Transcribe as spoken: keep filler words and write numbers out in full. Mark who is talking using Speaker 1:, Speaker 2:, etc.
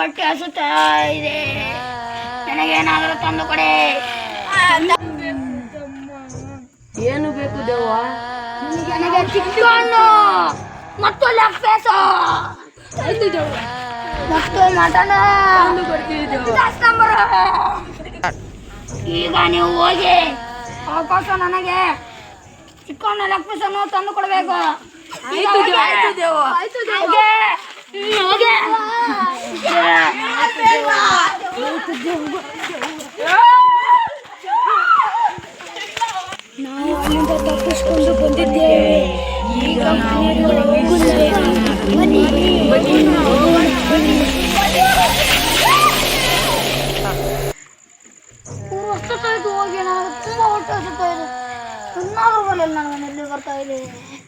Speaker 1: ಹೊಟ್ಟೆ ಹಸುತ್ತಾ ಇದೆ, ನನಗೇನಾದರೂ ತಂದು ಕೊಡೆ.
Speaker 2: ಏನು ಬೇಕು ದೇವ?
Speaker 1: ನನಗೆ ಚಿಕನ್ನು ಮತ್ತು ಲೆಗ್ ಪೀಸು
Speaker 2: ಆಯ್ತು ದೇವ,
Speaker 1: ಮತ್ತು ಮಟನ್
Speaker 2: ತಂದು ಕೊಡ್ತೀವಿ ದೇವ.
Speaker 1: ಈಗ ನೀವು ಹೋಗಿ ಅವಕಾಶ ನನಗೆ ಚಿಕನ್ ಲೆಗ್ ಪೀಸನ್ನು ತಂದು ಕೊಡಬೇಕು.
Speaker 2: ಆಯ್ತು ದೇವ, ಆಯ್ತು ದೇವ, ಆಯ್ತು ದೇವ.
Speaker 1: ನಾವು ಅಲ್ಲಿಂದ ತಪ್ಪಿಸಿಕೊಂಡು ಬಂದಿದ್ದೇವೆ. ಈಗ ನಾವು ಬನ್ನಿ ಬನ್ನಿ. ಹೊಸತಾಯ್ತು ಹೋಗಿ, ನಾನು ತುಂಬ ಹೊಟ್ಟೆ ಹಸುತ್ತಾ ಇದೆ. ಇನ್ನಾದ್ರೂ ಬರಲಿಲ್ಲ, ನಾನು ಎಲ್ಲಿ ಬರ್ತಾ ಇದೆ.